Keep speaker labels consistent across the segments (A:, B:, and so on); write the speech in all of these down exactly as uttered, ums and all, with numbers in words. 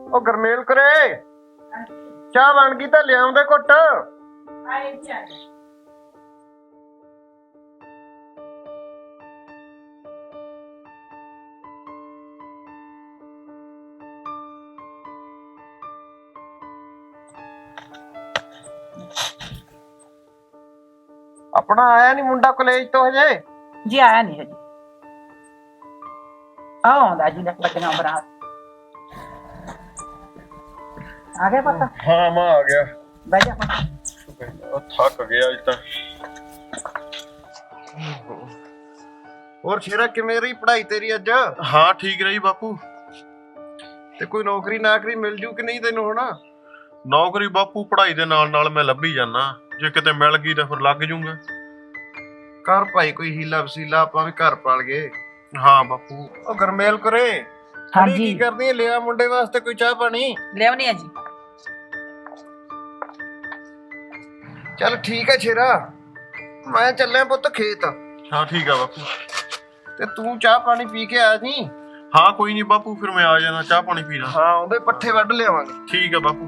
A: ਉਹ ਗਰਮੇਲ ਕਰੇ ਚਾਹ ਬਣ ਗਈ ਤਾਂ ਲਿਆਉਂਦੇ ਘੁੱਟ।
B: ਆਏ ਚੱਲ
A: ਆਪਣਾ ਆਇਆ ਨੀ ਮੁੰਡਾ ਕਾਲਜ ਤੋਂ ਹਜੇ?
B: ਜੀ ਆਇਆ ਨਹੀਂ ਹਜੇ। ਆਉਂਦਾ ਜੀ ਲੱਗਣਾ ਬਰਾਤ ਆ ਗਿਆ ਪਤਾ।
A: ਹਾਂ ਮੈਂ ਆ ਗਿਆ।
B: ਬਹਿ ਜਾ ਪਤਾ।
A: ਉਹ ਥੱਕ ਗਿਆ ਅੱਜ ਤਾਂ। ਹੋਰ ਸ਼ੇਰਾ ਕਿਵੇਂ ਰਹੀ ਪੜ੍ਹਾਈ ਤੇਰੀ ਅੱਜ?
C: ਹਾਂ ਠੀਕ ਰਹੀ ਬਾਪੂ।
A: ਤੇ ਕੋਈ ਨੌਕਰੀ ਨਾਕਰੀ ਮਿਲ ਜੂ ਕਿ ਨਹੀਂ ਤੈਨੂੰ ਹੁਣ?
C: ਨੌਕਰੀ ਬਾਪੂ ਪੜ੍ਹਾਈ ਦੇ ਨਾਲ ਨਾਲ ਮੈਂ ਲੱਭੀ ਜਾਣਾ, ਜੇ ਕਿਤੇ ਮਿਲ ਗਈ ਤਾਂ ਫਿਰ ਲੱਗ ਜੂੰਗਾ।
A: ਕਰ ਭਾਈ ਕੋਈ ਹੀਲਾ ਵਸੀਲਾ, ਆਪਾਂ ਵੀ ਘਰ ਪਾਲ ਗਏ।
C: ਹਾਂ ਬਾਪੂ।
A: ਉਹ ਗਰਮੇਲ ਕਰੇ
B: ਹਾਂਜੀ
A: ਕੀ ਕਰਦੀ ਹੈ? ਲਿਆ ਮੁੰਡੇ ਵਾਸਤੇ ਕੋਈ ਚਾਹ ਪਾਣੀ।
B: ਲਿਆਉਣੀ ਆ ਜੀ।
A: ਚੱਲ ਠੀਕ ਹੈ ਸ਼ੇਰਾ, ਮੈਂ ਚੱਲਿਆ ਪੁੱਤ ਖੇਤ।
C: ਹਾਂ ਠੀਕ ਆ ਬਾਪੂ।
A: ਤੇ ਤੂੰ ਚਾਹ ਪਾਣੀ ਪੀ ਕੇ ਆ ਜੀ।
C: ਹਾਂ ਕੋਈ ਨਹੀਂ ਬਾਪੂ, ਫਿਰ ਮੈਂ ਆ ਜਾਣਾ, ਚਾਹ ਪਾਣੀ ਪੀ ਲਾਂ।
A: ਹਾਂ ਉਹਦੇ ਪੱਠੇ ਵੱਢ ਲਿਆਵਾਂਗੇ।
C: ਠੀਕ ਆ ਬਾਪੂ।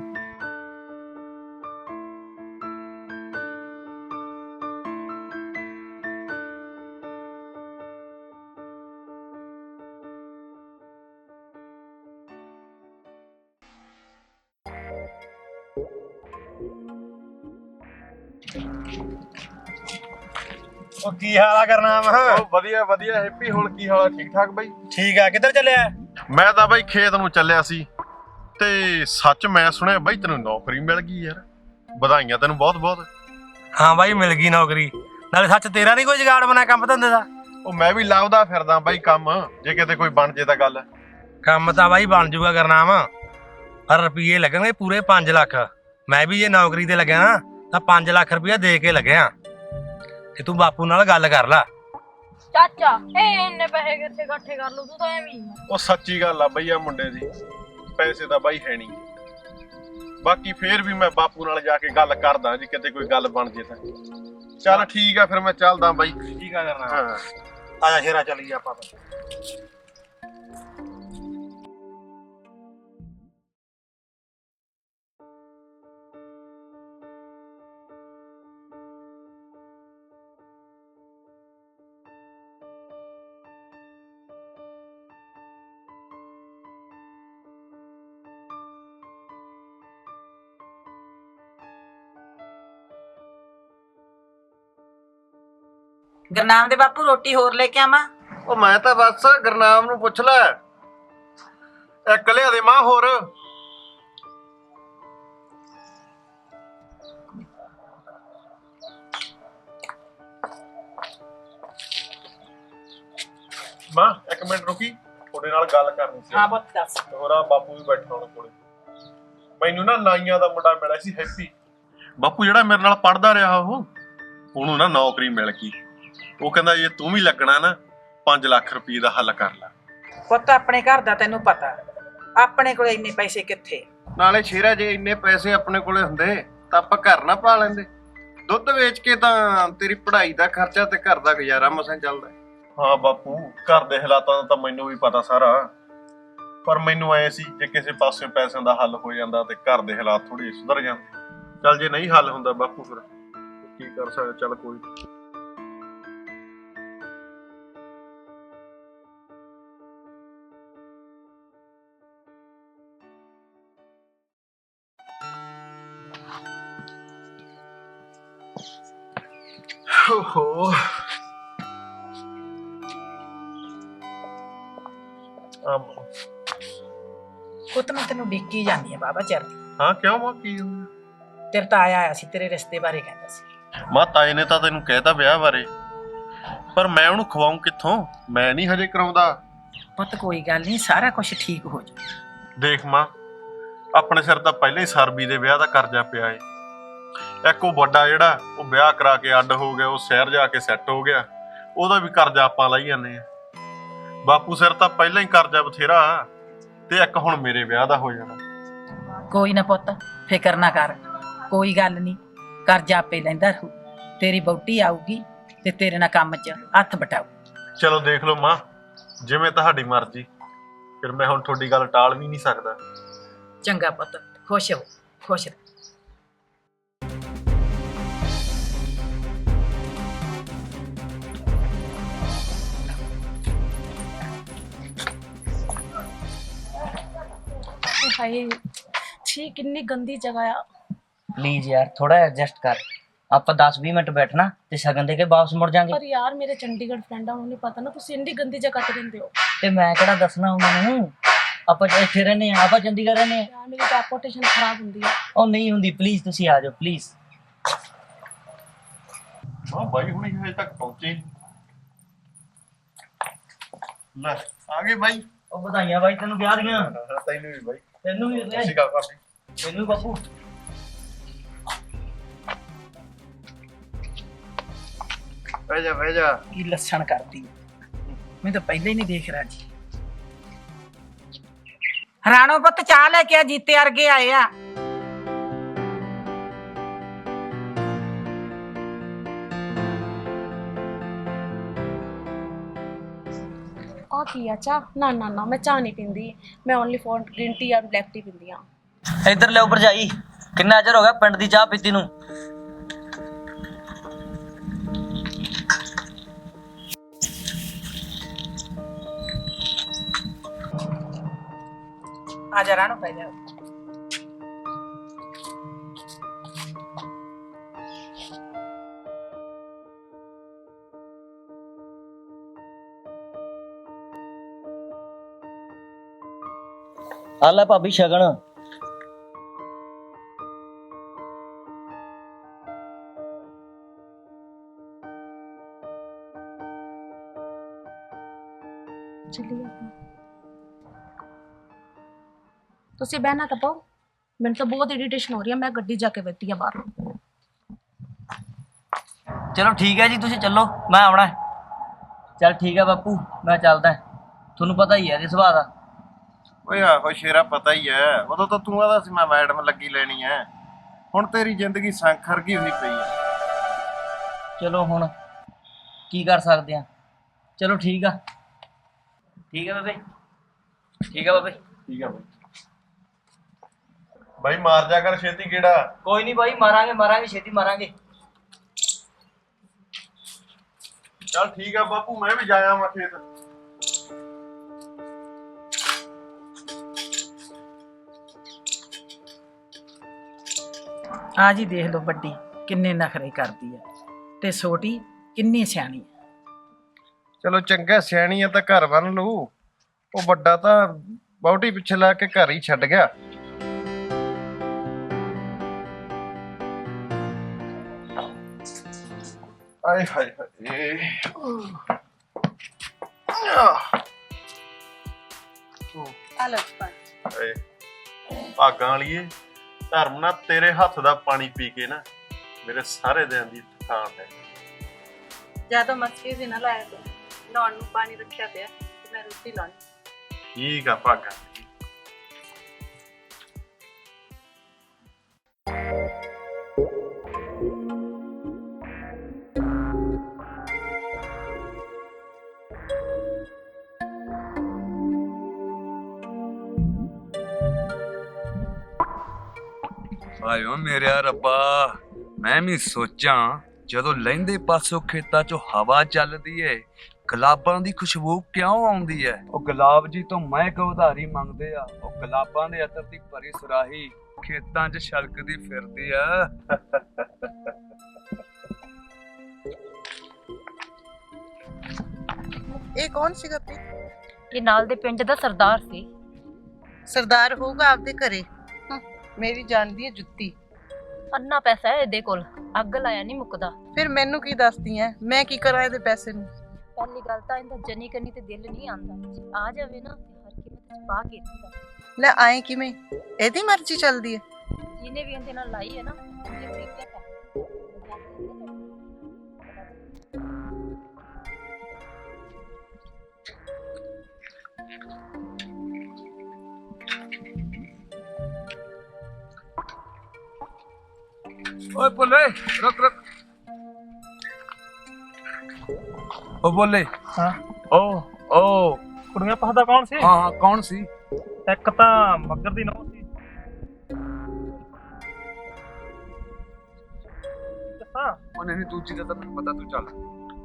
D: ਉਹ ਕੀ ਹਾਲ ਆ ਕਰਨਾ ਵਾ?
C: ਉਹ ਵਧੀਆ ਵਧੀਆ ਹੈਪੀ, ਹੁਣ ਕੀ ਹਾਲ ਆ? ਠੀਕ ਠਾਕ ਬਾਈ?
D: ਠੀਕ ਆ। ਕਿੱਧਰ ਚੱਲਿਆ?
C: ਮੈਂ ਤਾਂ ਬਾਈ ਖੇਤ ਨੂੰ ਚੱਲਿਆ ਸੀ, ਤੇ ਸੱਚ ਮੈਂ ਸੁਣਿਆ ਬਾਈ ਤੈਨੂੰ ਨੌਕਰੀ ਮਿਲ ਗਈ ਯਾਰ, ਵਧਾਈਆਂ ਤੈਨੂੰ ਬਹੁਤ ਬਹੁਤ।
D: ਹਾਂ ਬਾਈ ਮਿਲ ਗਈ ਨੌਕਰੀ। ਨਾਲੇ ਸੱਚ ਤੇਰਾ ਨਹੀਂ ਕੋਈ ਜੁਗਾੜ ਬਣਾ ਕੰਮ ਧੰਦੇ ਦਾ?
C: ਉਹ ਮੈਂ ਵੀ ਲੱਭਦਾ ਫਿਰਦਾ ਬਾਈ ਕੰਮ, ਜੇ ਕਿਤੇ ਕੋਈ ਬਣ ਜੇ ਤਾਂ ਗੱਲ।
D: ਕੰਮ ਤਾਂ ਬਾਈ ਬਣ ਜੂਗਾ ਕਰਨਾ ਵਾ, ਪਰ ਰੁਪਈਏ ਲੱਗਣਗੇ ਪੂਰੇ ਪੰਜ ਲੱਖ। ਮੈਂ ਵੀ ਜੇ ਨੌਕਰੀ ਤੇ ਲੱਗਿਆ ਨਾ ਤਾਂ ਪੰਜ ਲੱਖ ਰੁਪਈਆ ਦੇ ਕੇ ਲੱਗਿਆ। ਤੇ ਤੂੰ ਬਾਪੂ ਨਾਲ ਗੱਲ ਕਰ ਲੈ।
E: ਚਾਚਾ ਇਹ ਇੰਨੇ ਪੈਸੇ ਕਿੱਥੇ ਇਕੱਠੇ ਕਰ ਲੂ? ਤੂੰ ਤਾਂ ਐਵੇਂ ਹੀ ਆ।
C: ਉਹ ਸੱਚੀ ਗੱਲ ਆ ਬਈ, ਆ ਮੁੰਡੇ ਦੀ ਪੈਸੇ ਤਾਂ ਬਾਈ ਹੈ ਨਹੀਂ। ਬਾਕੀ ਫੇਰ ਵੀ ਮੈਂ ਬਾਪੂ ਨਾਲ ਜਾ ਕੇ ਗੱਲ ਕਰਦਾ, ਜੇ ਕਿਤੇ ਕੋਈ ਗੱਲ ਬਣ ਜੇ ਤਾਂ। ਚੱਲ ਠੀਕ ਆ, ਫਿਰ ਮੈਂ ਚੱਲਦਾ ਬਾਈ।
D: ਠੀਕ ਆ ਕਰਨਾ।
C: ਹਾਂ
D: ਆ ਜਾ ਸ਼ੇਰਾ ਚੱਲੀਏ ਆਪਾਂ।
B: ਗੁਰਨਾਮ ਦੇ ਬਾਪੂ ਰੋਟੀ ਹੋਰ ਲੈ ਕੇ ਆਵਾਂ?
A: ਉਹ ਮੈਂ ਤਾਂ ਬਸ ਗੁਰਨਾਮ ਨੂੰ ਪੁੱਛ ਲੈ, ਇੱਕ ਲਿਆ ਦੇ ਮਾਂ ਹੋਰ।
C: ਮਾਂ ਇੱਕ ਮਿੰਟ ਰੁਕੀ, ਤੁਹਾਡੇ ਨਾਲ ਗੱਲ ਕਰਨੀ ਸੀ।
B: ਹਾਂ ਪੁੱਤ ਦੱਸ।
C: ਹੋਰਾ ਬਾਪੂ ਵੀ ਬੈਠਾ ਉਹਨਾਂ ਕੋਲੇ। ਮੈਨੂੰ ਨਾ ਨਾਈਆਂ ਦਾ ਮੁੰਡਾ ਮਿਲਿਆ ਸੀ ਹੈਪੀ, ਬਾਪੂ ਜਿਹੜਾ ਮੇਰੇ ਨਾਲ ਪੜਦਾ ਰਿਹਾ, ਉਹ ਉਹਨੂੰ ਨਾ ਨੌਕਰੀ ਮਿਲ ਗਈ। ਉਹ ਕਹਿੰਦਾ ਜੇ ਤੂੰ ਵੀ ਲੱਗਣਾ ਨਾ ਪੰਜ ਲੱਖ ਰੁਪਏ ਦਾ ਹੱਲ ਕਰ ਲੈ।
B: ਪੁੱਤ ਆਪਣੇ ਘਰ ਦਾ ਤੈਨੂੰ ਪਤਾ, ਆਪਣੇ ਕੋਲ ਇੰਨੇ ਪੈਸੇ ਕਿੱਥੇ।
A: ਨਾਲੇ ਸ਼ੇਰਾ ਜੇ ਇੰਨੇ ਪੈਸੇ ਆਪਣੇ ਕੋਲੇ ਹੁੰਦੇ ਤਾਂ ਆਪਾਂ ਘਰ ਨਾ ਪਾ ਲੈਂਦੇ। ਦੁੱਧ ਵੇਚ ਕੇ ਤਾਂ ਤੇਰੀ ਪੜ੍ਹਾਈ ਦਾ ਖਰਚਾ ਤੇ ਘਰ ਦਾ ਗੁਜ਼ਾਰਾ ਮਸਾਂ ਚੱਲਦਾ।
C: ਹਾਂ ਬਾਪੂ, ਘਰ ਦੇ ਹਾਲਾਤਾਂ ਦਾ ਤਾਂ ਮੈਨੂੰ ਵੀ ਪਤਾ ਸਾਰਾ, ਪਰ ਮੈਨੂੰ ਐ ਸੀ ਜੇ ਕਿਸੇ ਪਾਸੇ ਪੈਸਿਆਂ ਦਾ ਹੱਲ ਹੋ ਜਾਂਦਾ ਤੇ ਘਰ ਦੇ ਹਾਲਾਤ ਥੋੜੇ ਸੁਧਰ ਜਾਂਦੇ। ਚੱਲ ਜੇ ਨਹੀਂ ਹੱਲ ਹੁੰਦਾ ਬਾਪੂ ਫਿਰ ਕੀ ਕਰ ਸਕਦਾ। ਚੱਲ ਕੋਈ
A: ਓਹੋ
C: ਆਮ
B: ਪੁੱਤ ਮੈਂ ਤੈਨੂੰ ਡਿੱਕੀ ਜਾਂਦੀ ਆ ਬਾਬਾ ਚਿਰ ਦੀ।
C: ਹਾਂ ਕਿਉਂ ਮਾਂ, ਕੀ ਹੋਇਆ?
B: ਤੇਰੇ ਤਾਂ ਆਇਆ ਆਇਆ ਸੀ, ਤੇਰੇ ਰਿਸ਼ਤੇ ਬਾਰੇ ਕਹਿੰਦਾ ਸੀ।
C: ਮਾਂ ਤਾਏ ਨੇ ਤਾਂ ਤੈਨੂੰ ਕਹਿਤਾ ਵਿਆਹ ਬਾਰੇ, ਪਰ ਮੈਂ ਉਹਨੂੰ ਖਵਾਉਂ ਕਿੱਥੋਂ? ਮੈਂ ਨਹੀਂ ਹਜੇ ਕਰਾਉਂਦਾ।
B: ਪੁੱਤ ਕੋਈ ਗੱਲ ਨਹੀਂ, ਸਾਰਾ ਕੁਝ ਠੀਕ ਹੋ ਜਾਊ।
C: ਦੇਖ ਮਾਂ, ਆਪਣੇ ਸਿਰ ਤਾਂ ਪਹਿਲਾਂ ਹੀ ਸਰਬੀ ਦੇ ਵਿਆਹ ਦਾ ਕਰਜ਼ਾ ਪਿਆ ਏ। ਇੱਕ ਉਹ ਵੱਡਾ ਜਿਹੜਾ ਉਹ ਵਿਆਹ ਕਰਾ ਕੇ ਅੱਡ ਹੋ ਗਿਆ, ਉਹ ਸ਼ਹਿਰ ਜਾ ਕੇ ਸੈੱਟ ਹੋ ਗਿਆ, ਉਹਦਾ ਵੀ ਕਰਜ਼ਾ ਆਪਾਂ ਲਾਈ ਜਾਂਦੇ ਆ। ਬਾਪੂ ਸਿਰ ਤਾਂ ਪਹਿਲਾਂ ਹੀ ਕਰਜ਼ਾ ਬਥੇਰਾ, ਤੇ ਇੱਕ ਹੁਣ ਮੇਰੇ ਵਿਆਹ ਦਾ ਹੋ ਜਾਣਾ।
B: ਕੋਈ ਨਾ ਪੁੱਤ ਫਿਕਰ ਨਾ ਕਰ, ਕੋਈ ਗੱਲ ਨਹੀਂ, ਕਰਜ਼ਾ ਆਪੇ ਲੈਂਦਾ ਰਹੂ। ਤੇਰੀ ਬੌਟੀ ਆਊਗੀ ਤੇ ਤੇਰੇ ਨਾਲ ਕੰਮ 'ਚ ਹੱਥ ਬਟਾਊ।
C: ਚਲੋ ਦੇਖ ਲਓ ਮਾਂ, ਜਿਵੇਂ ਤੁਹਾਡੀ ਮਰਜ਼ੀ। ਫਿਰ ਮੈਂ ਹੁਣ ਤੁਹਾਡੀ ਗੱਲ ਟਾਲ ਵੀ ਨਹੀਂ ਸਕਦਾ।
B: ਚੰਗਾ ਪੁੱਤ, ਖੁਸ਼ ਹੋ, ਖੁਸ਼ ਰਹੋ।
E: ਹਾਏ ਛੀ ਕਿੰਨੀ ਗੰਦੀ ਜਗ੍ਹਾ ਆ।
F: ਪਲੀਜ਼ ਯਾਰ ਥੋੜਾ ਐਡਜਸਟ ਕਰ। ਆਪਾਂ ਦਸ ਵੀਹ ਮਿੰਟ ਬੈਠਣਾ ਤੇ ਸ਼ਗਨ ਦੇ ਕੇ ਵਾਪਸ ਮੁੜ ਜਾਾਂਗੇ।
E: ਪਰ ਯਾਰ ਮੇਰੇ ਚੰਡੀਗੜ੍ਹ ਫਰੈਂਡ ਆ, ਉਹਨੂੰ ਨਹੀਂ ਪਤਾ ਨਾ ਤੁਸੀਂ ਇੰਨੀ ਗੰਦੀ ਜਗ੍ਹਾ ਤੇ ਰਹਿੰਦੇ ਹੋ।
F: ਤੇ ਮੈਂ ਕਿਹੜਾ ਦੱਸਣਾ ਉਹਨਾਂ ਨੂੰ, ਆਪਾਂ ਇੱਥੇ ਰਹਿੰਦੇ ਆ, ਆਪਾਂ ਚੰਡੀਗੜ੍ਹ ਰਹਿੰਦੇ ਆ।
E: ਯਾਰ ਮੇਰੀ ਰੈਪੂਟੇਸ਼ਨ ਖਰਾਬ ਹੁੰਦੀ ਆ।
F: ਉਹ ਨਹੀਂ ਹੁੰਦੀ, ਪਲੀਜ਼ ਤੁਸੀਂ ਆ ਜਾਓ ਪਲੀਜ਼।
C: ਹਾਂ ਬਾਈ ਹੁਣੀ ਹਜੇ ਤੱਕ ਪਹੁੰਚੇ। ਲੈ ਆ ਗਏ ਬਾਈ।
F: ਉਹ ਵਧਾਈਆਂ ਬਾਈ ਤੈਨੂੰ ਵਿਆਹ ਦੀਆਂ।
C: ਤੈਨੂੰ ਵੀ ਬਾਈ।
F: ਤੈਨੂੰ ਵੀ
C: ਸਤਿ ਸ਼੍ਰੀ ਅਕਾਲ ਭਾਬੀ।
F: ਤੈਨੂੰ ਵੀ ਬਾਪੂ।
A: ਬਹਿ ਜਾ ਬਹਿ ਜਾ।
B: ਕੀ ਲੱਛਣ ਕਰਦੀ ਮੈਂ ਤਾਂ ਪਹਿਲਾਂ ਹੀ ਨਹੀਂ ਦੇਖ ਰਿਹਾ ਜੀ। ਰਾਣੋ ਪੁੱਤ ਚਾਹ ਲੈ ਕੇ ਆ, ਜੀਤੇ ਵਰਗੇ ਆਏ ਆ।
E: ਆ ਕੀ ਆ ਚਾਹ? ਨਾ ਨਾ ਨਾ ਮੈਂ ਚਾਹ ਨਹੀਂ ਪੀਂਦੀ, ਮੈਂ ਓਨਲੀ ਫॉर ਗ੍ਰੀਨ ਟੀ ਜਾਂ ਬਲੈਕ ਟੀ ਪੀਂਦੀ ਆ।
F: ਇੱਧਰ ਲਿਓ ਭਰਜਾਈ, ਕਿੰਨਾ ਚਿਰ ਹੋ ਗਿਆ ਪਿੰਡ ਦੀ ਚਾਹ ਪੀਤੀ ਨੂੰ।
B: ਆ ਜਾ ਰਾਣੋ, ਪੈ ਜਾ।
F: ਆ ਲੈ ਭਾਬੀ ਸ਼ਗਨ।
E: ਚੱਲੀਏ ਆਪਾਂ। ਤੁਸੀਂ ਬਹਿਣਾ ਤਾਂ ਪਾਓ, ਮੈਨੂੰ ਤਾਂ ਬਹੁਤ ਇਰੀਟੇਸ਼ਨ ਹੋ ਰਹੀ ਹੈ। ਮੈਂ ਗੱਡੀ ਜਾ ਕੇ ਬੈਠੀ ਆ ਬਾਹਰ।
F: ਚਲੋ ਠੀਕ ਹੈ ਜੀ, ਤੁਸੀਂ ਚੱਲੋ, ਮੈਂ ਆਉਣਾ। ਚੱਲ ਠੀਕ ਹੈ ਬਾਪੂ, ਮੈਂ ਚੱਲਦਾ। ਤੁਹਾਨੂੰ ਪਤਾ ਹੀ ਹੈ ਇਹਦੇ ਸੁਭਾਅ ਦਾ।
A: ਓਏ ਆਹੋ ਸ਼ੇਰਾ, ਪਤਾ ਹੀ ਐ। ਉਦੋਂ ਤਾਂ ਤੂੰ ਆਦਾ ਸੀ ਮੈਂ ਮੈਡਮ ਲੱਗੀ ਲੈਣੀ ਐ। ਹੁਣ ਤੇਰੀ ਜ਼ਿੰਦਗੀ ਸੰਖਰ ਗਈ ਹੋਈ ਪਈ ਐ।
F: ਚਲੋ ਹੁਣ ਕੀ ਕਰ ਸਕਦੇ ਆ। ਚਲੋ ਠੀਕ ਆ, ਠੀਕ ਆ ਬਾਬੇ, ਠੀਕ ਆ ਬਾਬੇ।
C: ਠੀਕ ਆ ਬਾਈ। ਬਾਈ ਮਾਰ ਜਾ ਕਰ ਛੇਤੀ ਗੇੜਾ।
F: ਕੋਈ ਨਹੀਂ ਬਾਈ, ਮਾਰਾਂਗੇ ਮਾਰਾਂਗੇ ਛੇਤੀ ਮਾਰਾਂਗੇ।
C: ਚੱਲ ਠੀਕ ਆ ਬਾਪੂ, ਮੈਂ ਵੀ ਜਾਇਆ ਮੈਂ ਖੇਤ।
B: ਆ ਜੀ ਦੇਖ ਲਓ, ਵੱਡੀ ਕਿੰਨੇ ਨਖਰੇ ਕਰਦੀ ਆ ਤੇ ਛੋਟੀ ਕਿੰਨੀ ਸਿਆਣੀ ਆ।
A: ਚਲੋ ਚੰਗਾ, ਸਿਆਣੀ ਆ ਤਾਂ ਘਰ ਬੰਨ ਲੂ। ਉਹ ਵੱਡਾ ਤਾਂ ਬਹੁਤੀ ਪਿੱਛੇ ਲਾ ਕੇ ਘਰ ਹੀ ਛੱਡ ਗਿਆ। ਆਏ ਹਾਏ ਹਾਏ।
C: ਏ ਭਾਗਾਂ ਵਾਲੀਏ, ਧਰਮ ਨਾਲ ਤੇਰੇ ਹੱਥ ਦਾ ਪਾਣੀ ਪੀ ਕੇ ਨਾ ਮੇਰੇ ਸਾਰੇ ਦਿਨ ਦੀ ਥਕਾਨ ਹੈ।
G: ਜਦੋਂ ਮੱਛੀ ਸੀ ਨਾ ਲਾਇਆ ਤੂੰ ਨਹਾਉਣ ਨੂੰ ਪਾਣੀ ਰੱਖਿਆ ਪਿਆ ਤੇ ਮੈਂ ਰੋਟੀ ਲਾਉਣੀ।
C: ਠੀਕ ਆ ਭਾਗਾਂ।
H: ਆਇਓ ਮੇਰੇ ਰੱਬਾ, ਮੈਂ ਵੀ ਸੋਚਾਂ ਜਦੋਂ ਲਹਿੰਦੇ ਪਾਸੋਂ ਖੇਤਾਂ 'ਚੋਂ ਹਵਾ ਚੱਲਦੀ ਏ, ਗੁਲਾਬਾਂ ਦੀ ਖੁਸ਼ਬੂ ਕਿਉਂ ਆਉਂਦੀ ਏ? ਉਹ ਗੁਲਾਬ ਜੀ ਤੋਂ ਮਹਿਕ ਉਧਾਰੀ ਮੰਗਦੇ ਆ। ਉਹ ਗੁਲਾਬਾਂ ਦੇ ਅਤਰ ਦੀ ਭਰੀ ਸੁਰਾਹੀ ਖੇਤਾਂ 'ਚ ਛਲਕਦੀ ਫਿਰਦੀ ਆ।
I: ਇਹ ਕੌਣ ਸੀਗਾ ਪ੍ਰੀਤ?
G: ਇਹ ਨਾਲ ਦੇ ਪਿੰਡ ਦਾ ਸਰਦਾਰ ਸੀ।
I: ਸਰਦਾਰ ਹੋਊਗਾ ਆਪਦੇ ਘਰੇ। ਹਮ, ਮੇਰੀ ਜਾਣਦੀ ਹੈ ਜੁੱਤੀ।
G: ਅੰਨਾ ਪੈਸਾ ਹੈ ਇਹਦੇ ਕੋਲ, ਅੱਗ ਲਾਇਆ ਨਹੀਂ ਮੁੱਕਦਾ।
I: ਫਿਰ ਮੈਨੂੰ ਕੀ ਦੱਸਦੀ ਐ, ਮੈਂ ਕੀ ਕਰਾਂ ਇਹਦੇ ਪੈਸੇ ਨੂੰ?
G: ਪਹਿਲੀ ਗੱਲ ਤਾਂ ਇਹਦਾ ਜਨੀ ਕਰਨੀ ਤੇ ਦਿਲ ਨਹੀਂ ਆਂਦਾ। ਆ ਜਾਵੇ ਨਾ ਤੇ ਹਰ ਕੀਮਤ ਚ ਪਾ ਕੇ ਦਿੰਦਾ।
I: ਲੈ ਆਏ ਕਿਵੇਂ? ਇਹਦੀ ਮਰਜ਼ੀ ਚੱਲਦੀ ਹੈ।
G: ਜਿਹਨੇ ਵੀ ਇਹਦੇ ਨਾਲ ਲਾਈ ਹੈ ਨਾ ਉਹਨੇ ਵੇਖਿਆ ਕਰ।
H: ਓਏ ਬੋਲੇ, ਰੁਕ ਰੁਕ। ਓ ਬੋਲੇ।
J: ਹਾਂ
H: ਓ ਓ
J: ਕੁੜੀਆਂ ਪਸਦਾ ਕੌਣ ਸੀ?
H: ਹਾਂ ਹਾਂ ਕੌਣ ਸੀ?
J: ਇੱਕ ਤਾਂ ਮੱਗਰ ਦੀ ਨੌਂ ਸੀ
H: ਉਹ ਨਹੀਂ ਦੂਜੀ ਦਾ ਤਾਂ ਮੈਨੂੰ ਪਤਾ, ਤੂੰ ਚੱਲ।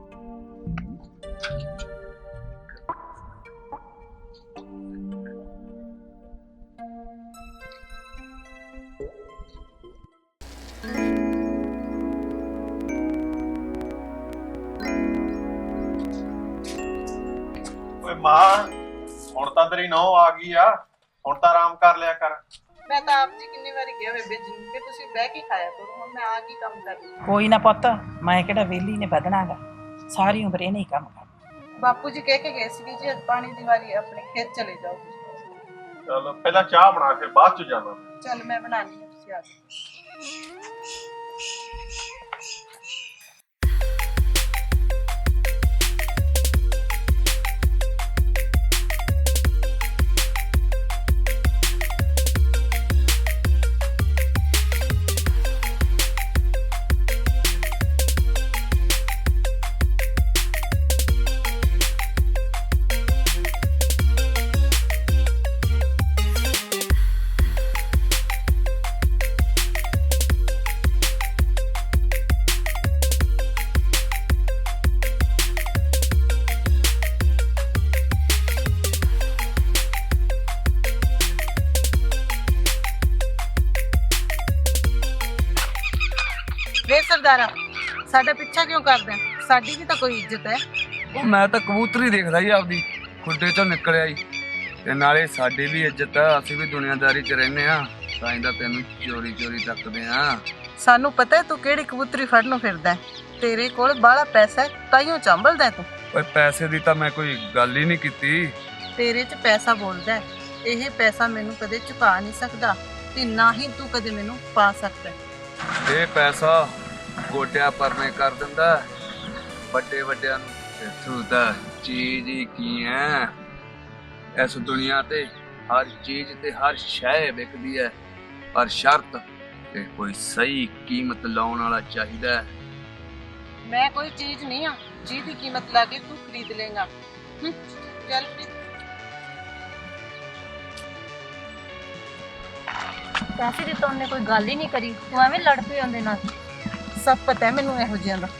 C: ਓਏ ਮਾਂ, ਹੁਣ ਤਾਂ ਤੇਰੀ ਨੌ ਆ ਗਈ ਆ, ਹੁਣ ਤਾਂ ਆਰਾਮ ਕਰ ਲਿਆ ਕਰ।
I: ਮੈਂ ਤਾਂ ਆਪ ਜੀ ਕਿੰਨੀ ਵਾਰੀ ਕਿਹਾ ਬੇਬੇ ਜੀ ਨੂੰ ਕਿ ਤੁਸੀਂ ਬਹਿ ਕੇ ਖਾਇਆ ਕਰੋ, ਹੁਣ ਮੈਂ ਆ ਕੀ ਕੰਮ ਕਰਦੀ।
B: ਕੋਈ ਨਾ ਪੁੱਤ, ਮੈਂ ਕਿਹੜਾ ਵਿਹਲੀ ਨੇ ਵਧਣਾਗਾ, ਸਾਰੀ ਉਮਰ ਇਹਨੇ ਹੀ ਕੰਮ ਕਰਨਾ।
I: ਬਾਪੂ ਜੀ ਕਹਿ ਕੇ ਗਏ ਸੀ ਜੀ ਅੱਜ ਪਾਣੀ ਦੀ ਵਾਰੀ ਆਪਣੇ ਖੇਤ ਚਲੇ ਜਾਓ ਤੁਸੀਂ।
C: ਚੱਲ ਪਹਿਲਾਂ ਚਾਹ ਬਣਾ, ਫਿਰ ਬਾਅਦ ਚ ਜਾਣਾ।
I: ਚੱਲ ਮੈਂ ਬਣਾਣੀ ਹੈ, ਤੁਸੀਂ ਆ ਜਾਓ। ਵੇ ਸਰਦਾਰਾ, ਸਾਡਾ ਪਿੱਛਾ ਕਿਉਂ ਕਰਦਾ? ਸਾਡੀ ਵੀ ਤਾਂ ਕੋਈ ਇੱਜ਼ਤ ਹੈ।
H: ਉਹ ਮੈਂ ਤਾਂ ਕਬੂਤਰੀ ਦੇਖਦਾ ਹੀ ਆਪਦੀ, ਖੁੱਡੇ ਚੋਂ ਨਿਕਲਿਆ ਹੀ। ਤੇ ਨਾਲੇ ਸਾਡੀ ਵੀ ਇੱਜ਼ਤ ਆ, ਅਸੀਂ ਵੀ ਦੁਨੀਆਦਾਰੀ 'ਚ ਰਹਿੰਦੇ ਆ, ਤਾਂ ਹੀ ਤਾਂ ਤੈਨੂੰ ਚੋਰੀ ਚੋਰੀ ਤੱਕਦੇ ਆ।
I: ਸਾਨੂੰ ਪਤਾ ਹੈ ਤੂੰ ਕਿਹੜੀ ਕਬੂਤਰੀ ਫੜਨ ਨੂੰ ਫਿਰਦਾ ਹੈ। ਤੇਰੇ ਕੋਲ ਬਾਹਲਾ ਪੈਸਾ ਹੈ, ਤਾਈਓ ਚੰਬਲਦਾ ਤੂੰ।
H: ਓਏ ਪੈਸੇ ਦੀ ਤਾਂ ਮੈਂ ਕੋਈ ਗੱਲ ਹੀ ਨਹੀਂ ਕੀਤੀ।
I: ਤੇਰੇ 'ਚ ਪੈਸਾ ਬੋਲਦਾ ਹੈ। ਇਹ ਪੈਸਾ ਮੈਨੂੰ ਕਦੇ ਚੁਕਾ ਨਹੀਂ ਸਕਦਾ ਤੇ ਨਾ ਹੀ ਤੂੰ ਕਦੇ ਮੈਨੂੰ ਪਾ ਸਕਦਾ।
H: ਇਹ ਪੈਸਾ ਗੋਟਿਆਂ ਪਰਨੇ ਕਰ ਦਿੰਦਾ ਵੱਡੇ ਵੱਡਿਆਂ ਨੂੰ, ਤੇ ਤੂੰ ਤਾਂ ਚੀਜ਼ ਹੀ ਕੀ ਹੈ। ਇਸ ਦੁਨੀਆ ਤੇ ਹਰ ਚੀਜ਼ ਤੇ ਹਰ ਸ਼ੈ ਵਿਕਦੀ ਹੈ, ਪਰ ਸ਼ਰਤ ਤੇ ਕੋਈ ਸਹੀ ਕੀਮਤ ਲਾਉਣ ਵਾਲਾ ਚਾਹੀਦਾ ਹੈ।
I: ਮੈਂ ਕੋਈ ਚੀਜ਼ ਨਹੀਂ ਆ ਜਿਹਦੀ ਕੀਮਤ ਲਾ ਕੇ ਤੂੰ ਖਰੀਦ ਲੇਗਾ। ਚੱਲ
J: ਪੈਸੇ ਦੀ ਤਾਂ ਉਹਨੇ ਕੋਈ ਗੱਲ ਹੀ ਨਹੀਂ ਕਰੀ, ਤੂੰ ਐਵੇਂ ਲੜ ਪਈ ਉਹਦੇ ਨਾਲ।
I: ਸਭ ਪਤਾ ਹੈ ਮੈਨੂੰ ਇਹੋ ਜਿਹਿਆਂ ਦਾ।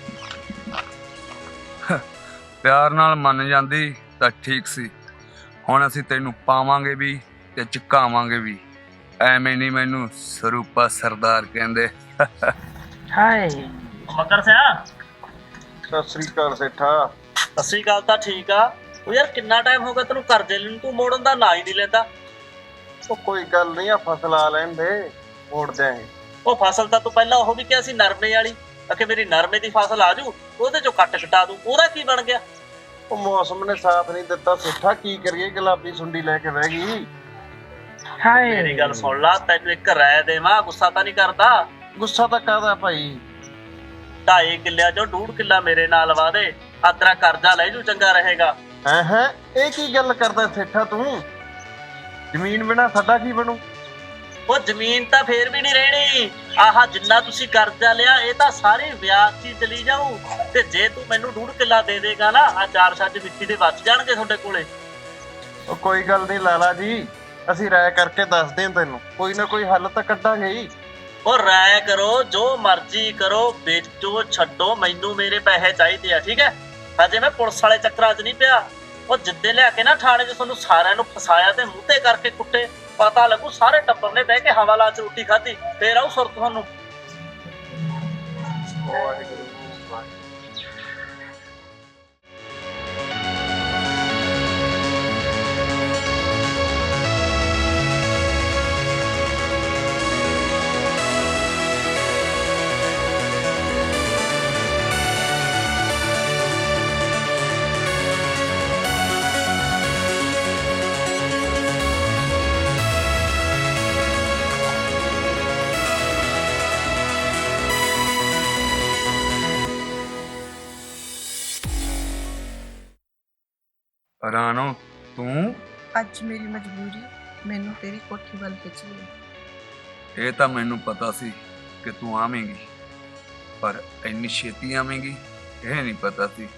H: ਪਿਆਰ ਨਾਲ ਮੰਨ ਜਾਂਦੀ ਤਾਂ ਠੀਕ ਸੀ, ਹੁਣ ਅਸੀਂ ਤੈਨੂੰ ਪਾਵਾਂਗੇ ਵੀ ਤੇ ਚੁਕਾਵਾਂਗੇ ਵੀ। ਐਵੇਂ ਨਹੀਂ ਮੈਨੂੰ ਸਰੂਪਾ ਸਰਦਾਰ ਕਹਿੰਦੇ।
F: ਹਾਏ ਮਕਰ ਸਿਆ,
A: ਸਤਿ ਸ੍ਰੀ ਅਕਾਲ ਸੇਠਾ।
F: ਸਤਿ ਸ੍ਰੀ ਅਕਾਲ ਤਾਂ ਠੀਕ ਆ। ਉਹ ਯਾਰ ਕਿੰਨਾ ਟਾਈਮ ਹੋ ਗਿਆ ਤੈਨੂੰ ਕਰਜ਼ੇ ਲੈਣ, ਤੂੰ ਮੋੜਨ ਦਾ ਨਾਂ ਹੀ ਨਹੀਂ ਲੈਂਦਾ।
A: ਉਹ ਕੋਈ ਗੱਲ ਨਹੀਂ, ਆ ਫਸਲ ਆ ਲੈਣ ਦੇ, ਮੋੜ ਦਿਆਂਗੇ।
F: ਉਹ ਫਸਲ ਤਾਂ ਤੂੰ ਪਹਿਲਾਂ ਉਹ ਵੀ ਕਿਹਾ ਸੀ ਨਰਮੇ ਵਾਲੀ, ਅਕੇ ਮੇਰੀ ਨਰਮੇ ਦੀ ਫਸਲ ਆ ਜੂ, ਉਹਦੇ ਚੋਂ ਕੱਟ ਕਟਾ ਦੂੰ, ਉਹਦਾ ਕੀ ਬਣ ਗਿਆ?
A: ਉਹ ਮੌਸਮ ਨੇ ਸਾਥ ਨਹੀਂ ਦਿੱਤਾ ਸੇਠਾ, ਕੀ ਕਰੀਏ, ਗੁਲਾਬੀ ਸੁੰਡੀ ਲੈ ਕੇ ਬਹਿ ਗਈ।
F: ਹਾਏ ਮੇਰੀ ਗੱਲ ਸੁਣ ਲਾ, ਤੈਨੂੰ ਇੱਕ ਰਾਏ ਦੇਵਾਂ, ਗੁੱਸਾ ਤਾਂ ਨਹੀਂ ਕਰਦਾ?
A: ਗੁੱਸਾ ਤਾਂ ਕਾਹਦਾ ਭਾਈ?
F: ਢਾਈ ਕਿੱਲਿਆਂ ਚੋਂ ਡੂਢ ਕਿੱਲਾ ਮੇਰੇ ਨਾਲ ਵਾ ਦੇ, ਆ ਤੇਰਾ ਕਰਜ਼ਾ ਲੈ ਜੂ, ਚੰਗਾ ਰਹੇਗਾ।
A: ਹੈ ਹੈ ਇਹ ਕੀ ਗੱਲ ਕਰਦਾ ਸੇਠਾ ਤੂੰ? ਜ਼ਮੀਨ ਬਿਨਾ ਸਾਡਾ ਕੀ ਬਣੂ?
F: ਉਹ ਜ਼ਮੀਨ ਤਾਂ ਫੇਰ ਵੀ ਨਹੀਂ ਰਹਿਣੀ। ਆਹ ਜਿੰਨਾ ਤੁਸੀਂ ਕਰਜ਼ਾ ਲਿਆ ਇਹ ਤਾਂ ਸਾਰੀ ਵਿਆਜ 'ਚ ਚਲੀ ਜਾਊ, ਤੇ ਜੇ ਤੂੰ ਮੈਨੂੰ ਡੂਢ ਕਿੱਲਾ ਦੇ ਦੇਗਾ ਨਾ, ਆ ਚਾਰ ਛੱਜ ਮਿੱਟੀ ਦੇ ਬਚ ਜਾਣਗੇ ਤੁਹਾਡੇ ਕੋਲੇ।
A: ਉਹ ਕੋਈ ਗੱਲ ਨਹੀਂ ਲਾਲਾ ਜੀ, ਅਸੀਂ ਰਾਇ ਕਰਕੇ ਦੱਸਦੇ ਹਾਂ ਤੈਨੂੰ, ਕੋਈ ਨਾ ਕੋਈ ਹੱਲ ਤਾਂ ਕੱਢਾਂਗੇ ਹੀ।
F: ਉਹ ਰਾਇ ਕਰੋ, ਜੋ ਮਰਜ਼ੀ ਕਰੋ, ਵੇਚੋ ਛੱਡੋ, ਮੈਨੂੰ ਮੇਰੇ ਪੈਸੇ ਚਾਹੀਦੇ ਆ, ਠੀਕ ਹੈ? ਹਜੇ ਮੈਂ ਪੁਲਿਸ ਵਾਲੇ ਚੱਕਰਾਂ 'ਚ ਨਹੀਂ ਪਿਆ। ਉਹ ਜਿੱਦੇ ਲਿਆ ਕੇ ਨਾ ਥਾਣੇ 'ਚ ਤੁਹਾਨੂੰ ਸਾਰਿਆਂ ਨੂੰ ਫਸਾਇਆ ਤੇ ਮੂੰਹ ਤੇ ਕਰਕੇ ਕੁੱਟੇ, ਪਤਾ ਲੱਗੂ ਸਾਰੇ ਟੱਬਰ ਨੇ ਬਹਿ ਕੇ ਹਵਾਲਾ 'ਚ ਰੋਟੀ ਖਾਧੀ, ਫੇਰ ਆਊ ਸੁਰਤ ਤੁਹਾਨੂੰ।
H: ਰਾਣੋ ਤੂੰ,
I: ਅੱਜ ਮੇਰੀ ਮਜਬੂਰੀ ਮੈਨੂੰ ਤੇਰੀ ਕੋਠੀ ਵੱਲ ਖਿੱਚ ਲਈ।
H: ਇਹ ਤਾਂ ਮੈਨੂੰ ਪਤਾ ਸੀ ਕਿ ਤੂੰ ਆਵੇਂਗੀ, ਪਰ ਇੰਨੀ ਛੇਤੀ ਆਵੇਂਗੀ ਇਹ ਨਹੀਂ ਪਤਾ ਸੀ।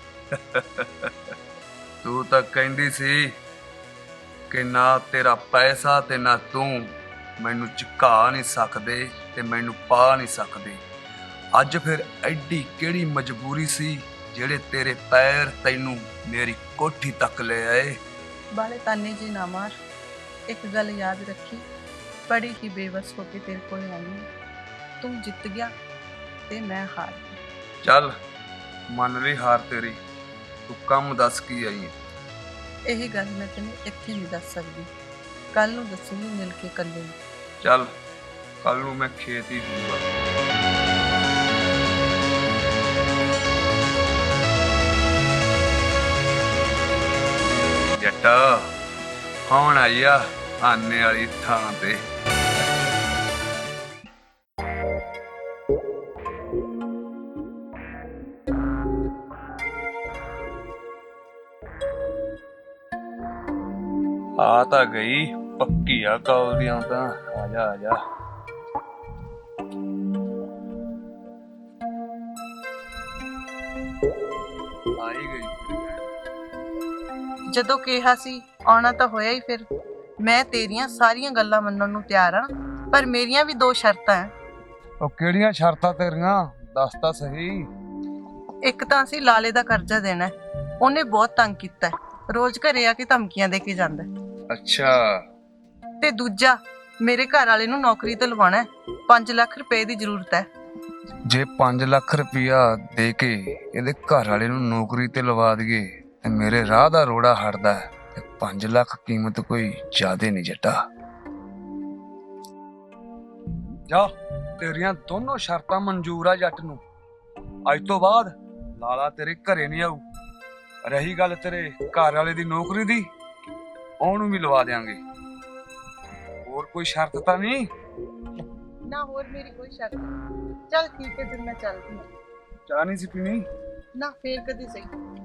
H: ਤੂੰ ਤਾਂ ਕਹਿੰਦੀ ਸੀ ਕਿ ਨਾ ਤੇਰਾ ਪੈਸਾ ਤੇ ਨਾ ਤੂੰ ਮੈਨੂੰ ਝੁਕਾ ਨਹੀਂ ਸਕਦੇ ਤੇ ਮੈਨੂੰ ਪਾ ਨਹੀਂ ਸਕਦੇ। ਅੱਜ ਫਿਰ ਐਡੀ ਕਿਹੜੀ ਮਜਬੂਰੀ ਸੀ ਜਿਹੜੇ ਤੇਰੇ ਪੈਰ ਤੈਨੂੰ ਮੇਰੀ ਕੋਠੀ ਤੱਕ ਲੈ ਆਏ?
I: ਬਾਲੇ ਤਾਨੇ ਜੀ ਨਾ ਮਾਰ। ਇੱਕ ਗੱਲ ਯਾਦ ਰੱਖੀ, ਬੜੀ ਹੀ ਬੇਵਸ ਹੋ ਕੇ ਤੇਰੇ ਕੋਲ ਆਈ ਹਾਂ। ਤੂੰ ਜਿੱਤ ਗਿਆ ਤੇ ਮੈਂ ਹਾਰ ਗਈ।
H: ਚੱਲ ਮੰਨ ਲਈ ਹਾਰ ਤੇਰੀ, ਤੂੰ ਕੰਮ ਦੱਸ ਕੀ ਆਈ ਹੈ?
I: ਇਹ ਗੱਲ ਮੈਂ ਤੈਨੂੰ ਇੱਥੇ ਨਹੀਂ ਦੱਸ ਸਕਦੀ, ਕੱਲ ਨੂੰ ਦੱਸੂਗੀ ਮਿਲ ਕੇ ਇਕੱਲੇ ਨੂੰ।
H: ਚੱਲ ਕੱਲ ਨੂੰ ਮੈਂ ਖੇਤ ਹੀ ਹੋਊਗਾ। ਜੱਟਾ ਹੁਣ ਆਇਆ ਆਨੇ ਵਾਲੀ ਥਾਂ ਤੇ। ਆ ਤਾਂ ਗਈ ਪੱਕੀ ਆ ਕਾਲ ਦੀਆਂ ਤਾਂ। ਆ ਜਾ ਆ ਜਾ। ਆਈ ਗਈ।
I: ਜਦੋਂ ਕਿਹਾ ਸੀ ਆਉਣਾ ਤਾਂ ਹੋਇਆ ਹੀ। ਫਿਰ ਮੈਂ ਤੇਰੀਆਂ ਸਾਰੀਆਂ ਗੱਲਾਂ ਮੰਨਣ ਨੂੰ ਤਿਆਰ ਹਾਂ, ਪਰ ਮੇਰੀਆਂ ਵੀ ਦੋ ਸ਼ਰਤਾਂ ਹੈ।
H: ਉਹ ਕਿਹੜੀਆਂ ਸ਼ਰਤਾਂ ਤੇਰੀਆਂ? ਦੱਸ ਤਾਂ ਸਹੀ।
I: ਇੱਕ ਤਾਂ ਅਸੀਂ ਲਾਲੇ ਦਾ ਕਰਜ਼ਾ ਦੇਣਾ ਹੈ, ਉਹਨੇ ਬਹੁਤ ਤੰਗ ਕੀਤਾ ਹੈ, ਰੋਜ਼ ਘਰੇ ਆ ਕੇ ਧਮਕੀਆਂ ਦੇ ਕੇ ਜਾਂਦਾ ਹੈ।
H: ਅੱਛਾ।
I: ਤੇ ਦੂਜਾ, ਮੇਰੇ ਘਰ ਵਾਲੇ ਨੂੰ ਨੌਕਰੀ ਤੇ ਲਵਾਉਣਾ ਹੈ, ਪੰਜ ਲੱਖ ਰੁਪਏ ਦੀ ਜ਼ਰੂਰਤ ਹੈ।
H: ਜੇ ਪੰਜ ਲੱਖ ਰੁਪਇਆ ਦੇ ਕੇ ਇਹਦੇ ਘਰ ਵਾਲੇ ਨੂੰ ਨੌਕਰੀ ਤੇ ਲਵਾ ਦਈਏ ਤੇ ਮੇਰੇ ਰਾਹ ਦਾ ਰੋੜਾ ਹਟਦਾ ਹੈ। ਤੇ ਪੰਜ ਲੱਖ ਕੀਮਤ ਕੋਈ ਜ਼ਿਆਦੇ ਨਹੀਂ ਜੱਟਾ। ਜਾ, ਤੇਰੀਆਂ ਦੋਨੋਂ ਸ਼ਰਤਾਂ ਮਨਜ਼ੂਰ ਆ ਜੱਟ ਨੂੰ। ਅੱਜ ਤੋਂ ਬਾਅਦ ਲਾਲਾ ਤੇਰੇ ਘਰੇ ਨਹੀਂ ਆਊ। ਰਹੀ ਗੱਲ ਤੇਰੇ ਘਰ ਵਾਲੇ ਦੀ ਨੌਕਰੀ ਦੀ, ਉਹਨੂੰ ਵੀ ਲਵਾ ਦੇਾਂਗੇ। ਹੋਰ ਕੋਈ ਸ਼ਰਤ ਤਾਂ ਨਹੀਂ?
I: ਨਾ ਹੋਰ ਮੇਰੀ ਕੋਈ ਸ਼ਰਤ ਨਹੀਂ। ਚੱਲ ਠੀਕ ਹੈ, ਫਿਰ ਮੈਂ ਚੱਲਦੀ ਹਾਂ।
H: ਚਾਹ ਨਹੀਂ ਸੀ ਪੀਣੀ?
I: ਨਾ ਫੇਰ ਕਦੀ ਸਹੀ।